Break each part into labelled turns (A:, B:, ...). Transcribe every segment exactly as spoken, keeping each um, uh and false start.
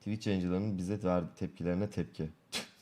A: Twitch yayıncılarının bize verdiği tepkilerine tepki.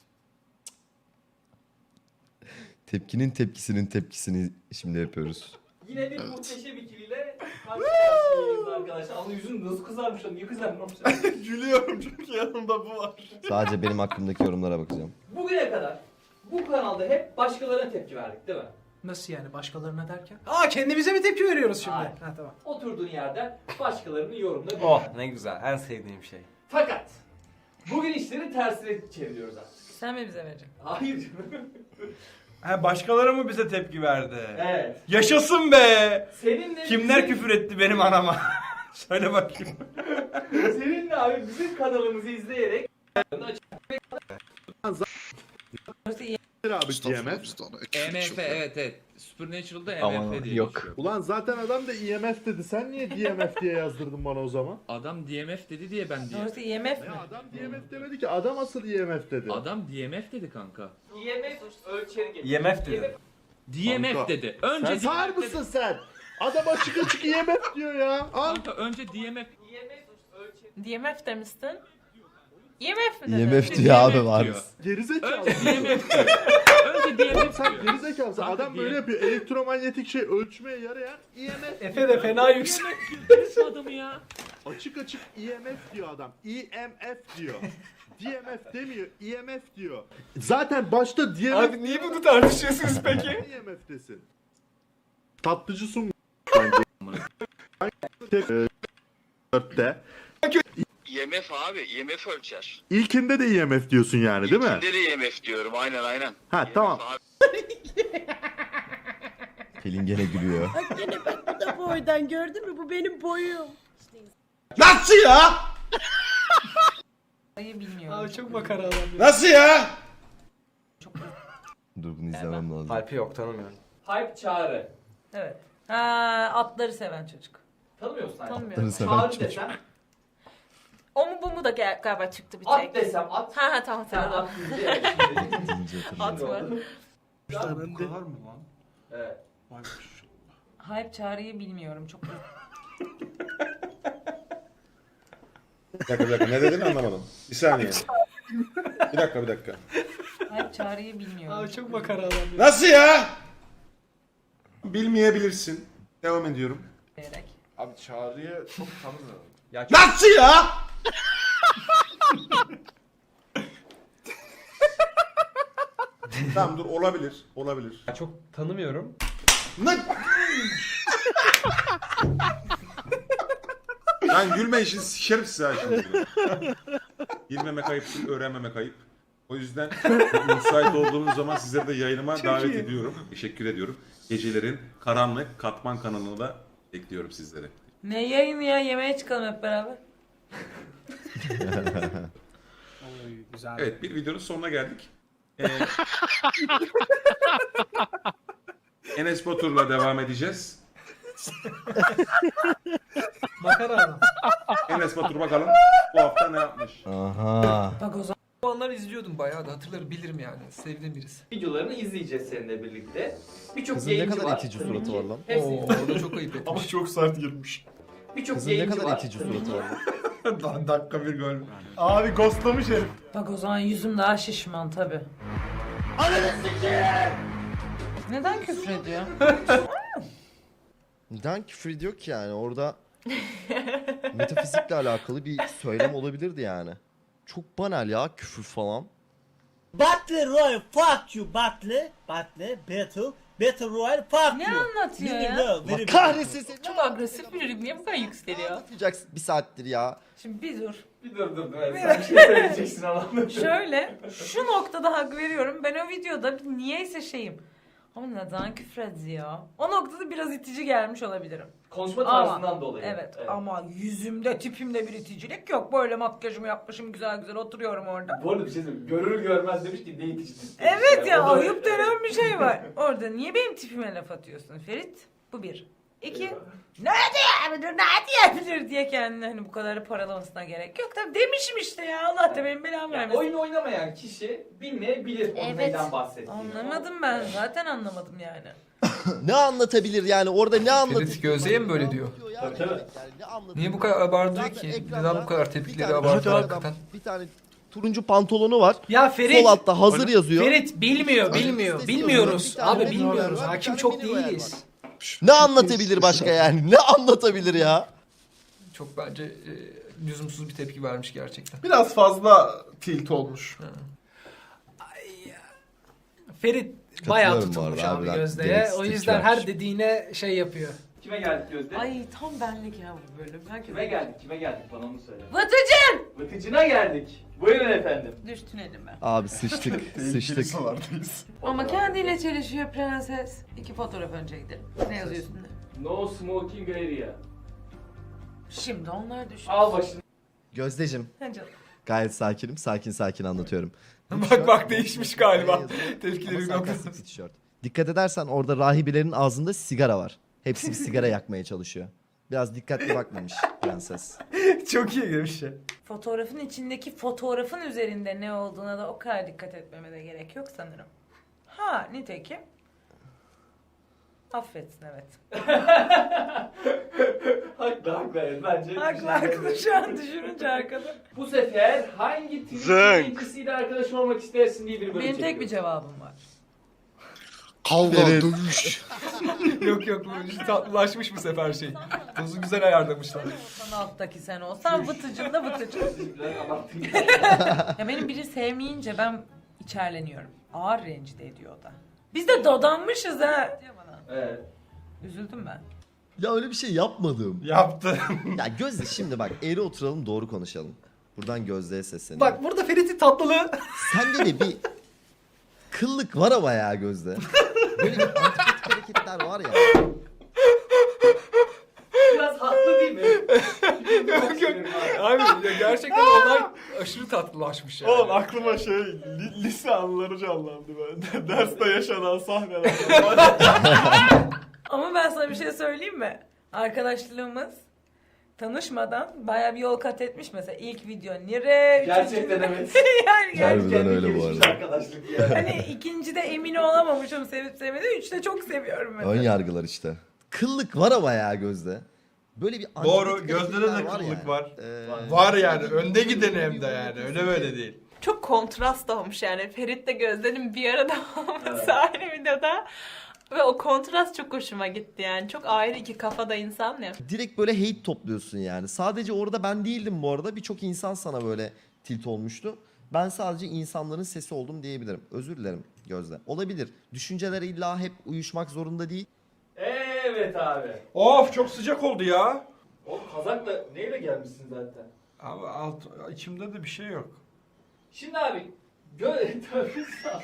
A: Tepkinin tepkisinin tepkisini şimdi yapıyoruz.
B: Yine bir muhteşem ikiliyle karşı karşıyayız arkadaşlar. Ama yüzün nasıl kızarmış lan? Niye kızarmış?
C: Gülüyorum çünkü yanımda bu var.
A: Sadece benim hakkımdaki yorumlara bakacağım.
B: Bugüne kadar bu kanalda hep başkalarına tepki verdik değil mi?
D: Nasıl yani başkalarına derken? Aa kendimize mi tepki veriyoruz şimdi?
B: Hayır.
D: Ha tamam.
B: Oturduğun yerden başkalarının yorumuna bir.
C: Oh ne güzel, en sevdiğim şey.
B: Fakat bugün işleri tersine çeviriyoruz artık.
E: Sen mi bize vereceksin?
B: Hayır canım.
C: Ha, başkaları mı bize tepki verdi?
B: Evet.
C: Yaşasın be!
B: Seninle
C: Kimler
B: bizim-
C: küfür etti benim anama? Söyle bakayım.
B: Seninle abi bizim kanalımızı izleyerek
F: abi D M F.
G: E M F evet evet. Supernatural'da E
A: Aman,
G: M F diye
A: yok.
G: geçiyor.
F: Ulan zaten adam da E M F dedi. Sen niye D M F diye yazdırdın bana o zaman?
G: Adam D M F dedi diye ben diye.
E: Sonrası I M F mi?
F: Ya adam D M F demedi ki. Adam asıl E M F dedi.
G: Adam D M F dedi kanka.
B: E M F ölçeri geçiyor.
C: E M F dedi.
G: D M F
F: Kanka,
G: dedi. Önce
F: Sen sağır
G: D M F
F: mısın
G: dedi.
F: sen? Adam açık açık E M F diyor ya. Al.
G: Kanka önce D M F.
B: E M F ölçeri.
E: D M F demiştin. I M F mi dedin?
A: I M F
G: Önce
A: diyor abi
G: D M F
A: var.
G: diyor.
F: Gerizekalı.
G: Önce D M F diyor. Önce D M F
F: Sen
G: diyor.
F: gerizekalısın.
G: Kanka,
F: Adam
G: D M F
F: böyle yapıyor. Elektromanyetik şey ölçmeye yarayan E M F.
D: Efe de fena yüksek.
G: Birisi adamı ya.
F: Açık açık E M F diyor adam. E M F diyor. D M F demiyor. E M F diyor. Zaten başta D M F...
D: Abi niye bunu tartışıyorsunuz peki?
F: E M F'desin. Tatlıcı sun. Tek e, dörtte.
H: E M F abi, E M F ölçer.
F: İlkinde de E M F diyorsun yani değil mi?
H: İlkinde de E M F diyorum, aynen aynen.
F: Ha
H: E M F
F: tamam.
H: abi.
A: Pelin gene gülüyor.
I: Bak gene bak bu da boydan gördün mü? Bu benim boyum.
C: Nasıl ya?
E: Sayı bilmiyorum.
D: Abi çok makara adam ya.
C: Nasıl ya?
A: Dur bunu izlemem lazım.
C: Alp'i yok, tanımıyorum.
B: Hype çağrı.
E: Evet. Ha atları seven çocuk.
B: Tanımıyor musun?
E: Tanımıyorum.
A: Atları seven
B: Çağrı
A: çocuk.
B: desem,
E: O mu bu mu da gel- galiba çıktı bir tek.
B: at desem at.
E: Ha ha tamam
B: Sen
E: tamam.
B: at deyince evet, şimdi-
A: Deyince hatırlıyorum.
E: At mı?
C: Bu kadar mı lan?
B: Evet.
E: Hype çağrıyı bilmiyorum çok.
J: Bir dakika bir dakika ne dedin anlamadım. Bir saniye. Bir dakika bir dakika.
E: Hype çağrıyı bilmiyorum.
D: Abi çok makara adam ya.
J: Nasıl ya? Bilmeyebilirsin. Devam ediyorum.
E: Diyerek.
J: Abi Çağrı'yı çok tanımıyorum.
C: Ya
J: Nasıl ya? Tamam dur olabilir. Olabilir.
C: çok tanımıyorum.
J: Ne? Lan gülme işin sikerim size ha şimdi. Bilmemek ayıp değil, öğrenmemek ayıp. O yüzden müsait olduğunuz zaman sizleri de yayınıma davet
D: iyi.
J: ediyorum. Teşekkür ediyorum. Gecelerin karanlık katman kanalına da bekliyorum sizleri.
E: Ne yayını ya yemeğe çıkalım hep beraber.
D: Oy güzel.
J: Evet bir videonun sonuna geldik. Ee, Enes Batur'la devam edeceğiz.
D: Makara adam.
J: Enes Batur bakalım bu hafta ne yapmış?
A: Aha.
E: Bak o zaman.
D: Onları izliyordum bayağı da hatırlarım bilirim yani. Sevdiğim birisi.
B: Videolarını izleyeceğiz seninle birlikte. Birçok
A: Kızın ne
B: yayıncı
A: kadar
B: var.
A: itici
B: Tabii
A: suratı
B: ki
A: var lan.
B: hepsi-
D: Oo o da çok ayıp etmiş.
F: çok sert girmiş.
B: Birçok
A: Kızın ne
B: yayıncı
A: kadar
B: var.
A: itici
B: Tabii
A: suratı
B: ki.
A: var lan.
J: Dakika bir gol.
F: Abi ghostlamış herif.
E: Bak o zaman yüzüm daha şişman tabi. Neden küfür ediyor?
A: Neden küfür ediyor ki yani orada metafizikle alakalı bir söylem olabilirdi yani. Çok banal ya küfür falan.
I: Battle Royale fuck you Battle. Battle Battle. Battle Royale fuck
E: Ne
I: you.
E: anlatıyor
I: Very
E: ya?
I: well,
A: Allah
I: very
A: kahretsin seni.
E: Çok agresif bir niye bu kadar
A: Ne
E: yükseliyor?
A: anlatacaksın bir saattir ya.
E: Şimdi bir dur.
B: Bir dur dur dur. Sen bir şey söyleyeceksin Allah'ım.
E: Şöyle şu noktada hak veriyorum. Ben o videoda bir niyeyse şeyim. Ama neden küfür ediyor? O noktada biraz itici gelmiş olabilirim.
B: Konuşma
E: Ama-
B: tarzından dolayı.
E: Evet, ama yüzümde tipimde bir iticilik yok. Böyle makyajımı yapmışım güzel güzel oturuyorum orada.
B: Bu arada bir şey söyleyeyim. Görür görmez demiş ki ne itici.
E: Evet ya
B: O da-
E: ayıp denen bir şey var. Orada niye benim tipime laf atıyorsun Ferit? Bu bir. İki. Ne diyebilir, ne diyebilir diye kendini hani bu kadar paralamasına gerek yok. Tabii demişim işte ya Allah da benim belamı
B: Yani
E: vermesin.
B: oyun oynamayan kişi bilmeyebilir onun
E: Evet.
B: neyden bahsettiğini.
E: Anlamadım ben zaten anlamadım yani.
A: ne anlatabilir yani orada ne anlatabilir?
D: Ferit Gözde'ye mi böyle diyor?
B: Tabii, tabii.
D: Niye bu kadar abartıyor ki? Neden bu kadar tepkileri abartıyor hakikaten?
A: Bir tane turuncu pantolonu var.
D: Ya Ferit.
A: Sol altta hazır yazıyor.
D: Ferit bilmiyor, bilmiyor.
A: Listesi
D: Bilmiyoruz.
A: yazıyor. Bir tane
D: Abi
A: mini var.
D: bilmiyoruz.
A: Bir
D: Hakim
A: tane
D: çok
A: mini var.
D: değiliz.
A: Ne anlatabilir başka yani? Ne anlatabilir ya?
D: Çok bence e, lüzumsuz bir tepki vermiş gerçekten.
C: Biraz fazla tilt olmuş.
D: Ferit bayağı
A: Katılıyorum bu
D: tutulmuş
A: arada,
D: abi
A: harbiden
D: Gözde'ye.
A: gereksiz
D: O
A: tepki
D: yüzden
A: vermiş.
D: her dediğine şey yapıyor.
B: Kime geldik Gözde?
E: Ay tam benlik ya bu bölüm. Herkes
B: Kime geldik? Kime geldik? Bana onu söyle.
E: Vıtıcın!
B: Vıtıcına geldik. Buyurun efendim.
E: Düştün elime.
A: Abi sıçtık, sıçtık.
E: Ama kendiyle çelişiyor prenses. İki fotoğraf önce gidelim. Ne yazıyor üstünde?
B: No smoking area.
E: Şimdi onlar düşün.
B: Al başını.
A: Gözdeciğim,
E: Ha canım.
A: gayet sakinim. Sakin sakin anlatıyorum.
D: Bak bak değişmiş galiba. Tepkileri
A: Ama
D: bir
A: sarkastik
D: noktada.
A: bir tişört. Dikkat edersen orada rahibelerin ağzında sigara var. Hepsi bir sigara yakmaya çalışıyor. Biraz dikkatli bakmamış prenses.
D: Çok iyi bir şey.
E: Fotoğrafın içindeki fotoğrafın üzerinde ne olduğuna da o kadar dikkat etmeme de gerek yok sanırım. Ha nitekim. Affetsin evet.
B: Haklı haklı evet. Bence.
E: Haklı haklı şu an düşününce arkada.
B: Bu sefer hangi Twitch
H: Zınk.
B: yayıncısıyla arkadaş olmak istersin diye bir bölüm
E: Benim tek bir
B: çekiyoruz.
E: cevabım var.
C: Kavga,
A: Evet.
C: dövüş.
D: Yok yok bu işte tatlılaşmış bu sefer şey. Dozu güzel ayarlamışlar.
E: Sen alttaki sen olsan vıtıcın da vıtıcın.
B: Biraz abarttın.
E: Ya benim biri sevmeyince ben içerleniyorum. Ağır rencide ediyor o da. Biz de dadanmışız ha. Diyor bana.
B: Evet.
E: Üzüldüm ben.
A: Ya öyle bir şey yapmadım.
C: Yaptı.
A: Ya Gözde şimdi bak eğri oturalım doğru konuşalım. Buradan Gözde'ye sesleniyorum.
D: Bak burada Ferit'in tatlılığı.
A: Sende de bir kıllık var ama ya Gözde. Böyle bir antipatik hareketler var ya.
B: Biraz haklı değil mi?
D: Yok yok. Abi ya gerçekten olay aşırı tatlılaşmış yani.
C: Oğlum aklıma şey li- lise anıları canlandı ben. Derste yaşanan sahneler.
E: Ama ben sana bir şey söyleyeyim mi? Arkadaşlığımız tanışmadan bayağı bir yol kat etmiş mesela. İlk video nire,
B: Gerçekten evet.
E: yani gerçekten.
A: Harbiden
B: Kendi
A: öyle bu
B: gelişmiş
A: arada.
B: arkadaşlık ya.
E: Hani ikincide emin olamamışım sevip sevmediğim. Üçte çok seviyorum mesela.
A: Ön yargılar işte. Kıllık var ama ya Gözde. Böyle bir
C: Doğru,
A: antipatik
C: Gözde'de de
A: hareketler
C: kıllık
A: yani.
C: var.
A: Ee,
C: Var yani önde gideni hem de yani öyle böyle değil.
K: Çok kontrast olmuş yani. Ferit'le Gözde'nin bir arada olması aynı videoda. Ve o kontrast çok hoşuma gitti yani. Çok ayrı iki kafada insan ya.
A: direkt böyle hate topluyorsun yani. Sadece orada ben değildim bu arada. Birçok insan sana böyle tilt olmuştu. Ben sadece insanların sesi oldum diyebilirim. Özür dilerim Gözde. Olabilir. Düşünceler illa hep uyuşmak zorunda değil.
B: Evet abi.
C: Of çok sıcak oldu ya.
B: O kazakla neyle gelmişsin zaten?
C: Abi alt, içimde de bir şey yok.
B: Şimdi abi gö Tövbe sağ.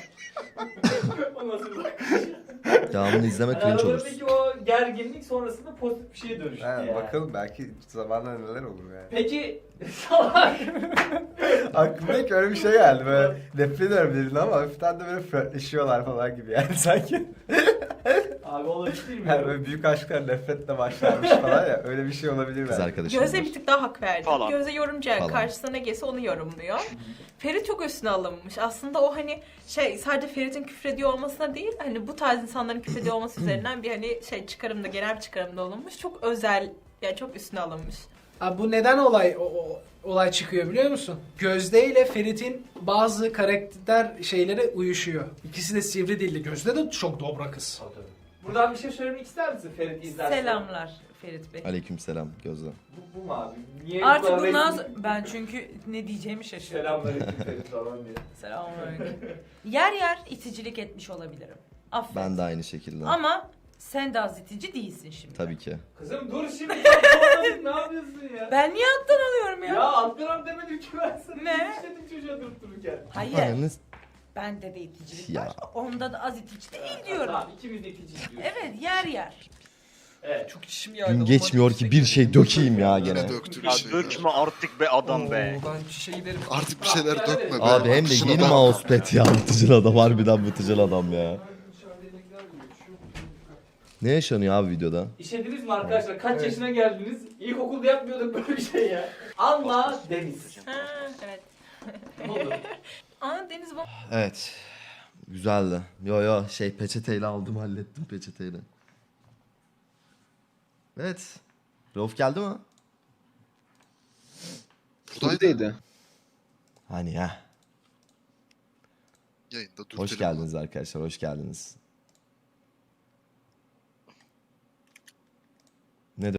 B: O nasıl bir bakış?
A: Devamını izleme cringe olursun.
B: Aralarındaki o gerginlik sonrasında pozitif bir şeye dönüştü yani.
C: Bakalım belki zamanla neler olur yani.
B: Peki salak.
C: Aklıma ilk öyle bir şey geldi böyle nefret ediyorum dedin ama hafiften de böyle flörtleşiyorlar falan gibi yani sanki.
B: Abi olabilir mi?
C: Yani böyle büyük aşklar nefretle başlarmış falan ya öyle bir şey olabilir
A: Kız
C: belki.
A: arkadaşım
K: Gözde
A: var.
K: bir tık daha hak verdi.
H: Falan.
K: Gözde yorumcu yani
A: Falan.
K: karşısına ne gelse onu yorumluyor. Ferit çok üstüne alınmış. Aslında o hani şey sadece Ferit'in küfrediyor olmasına değil hani bu tarz insanların küfrediyor olması üzerinden bir hani şey çıkarımda genel bir çıkarımda olunmuş. Çok özel yani çok üstüne alınmış.
D: Abi bu neden olay o, o- olay çıkıyor biliyor musun? Gözde ile Ferit'in bazı karakter şeyleri uyuşuyor. İkisi de sivri dilli. Gözde de çok dobra kız.
B: Buradan bir şey söylemek ister misin Ferit izlersen?
E: Selamlar Ferit Bey.
A: Aleykümselam Gözde.
B: Bu, bu mu abi? Niye
E: Artık
B: bu kadar
E: bundan
B: resmi-
E: sonra ben çünkü ne diyeceğimi şaşırdım.
B: Selamünaleyküm Ferit falan diye.
E: Selamünaleyküm. Yer yer iticilik etmiş olabilirim. Affet.
A: Ben de aynı şekilde.
E: Ama sen de az itici değilsin şimdi.
A: Tabii ki.
B: Kızım dur şimdi. ne yapıyorsun ya?
E: Ben niye alttan alıyorum ya?
B: Ya alttan demedim ki ben sana.
E: Ne?
B: İşledim çocuğa durup dururken.
E: Hayır.
A: Ananız-
E: Bende de iticilik
A: Ya.
E: var. Onda da az itici değil diyorum.
B: Tamam ikimiz de ikinci diyoruz.
E: Evet yer yer.
B: Evet.
D: Çok içim yağdı.
A: Gün geçmiyor ki bir şey dökeyim ya gene.
H: Ya dökme artık be adam be.
D: Oo, ben şişe giderim.
C: Artık
B: bir şeyler dökme be.
A: Abi hem de yeni mousepad ya. Vıtıcıl adam harbiden vıtıcıl adam ya. Ne yaşanıyor abi videoda?
B: İşlediniz mi arkadaşlar? Kaç yaşına geldiniz? İlkokulda yapmıyorduk böyle bir şey ya. Anla Deniz.
K: Ha evet.
B: Ne oldu?
K: Aa Deniz bak.
A: Evet. Güzeldi. Yo yo şey peçeteyle aldım hallettim peçeteyle. Evet. Rauf geldi mi?
L: Buradaydı.
A: Hani ya.
L: Yayında dur.
A: Hoş geldiniz arkadaşlar hoş geldiniz.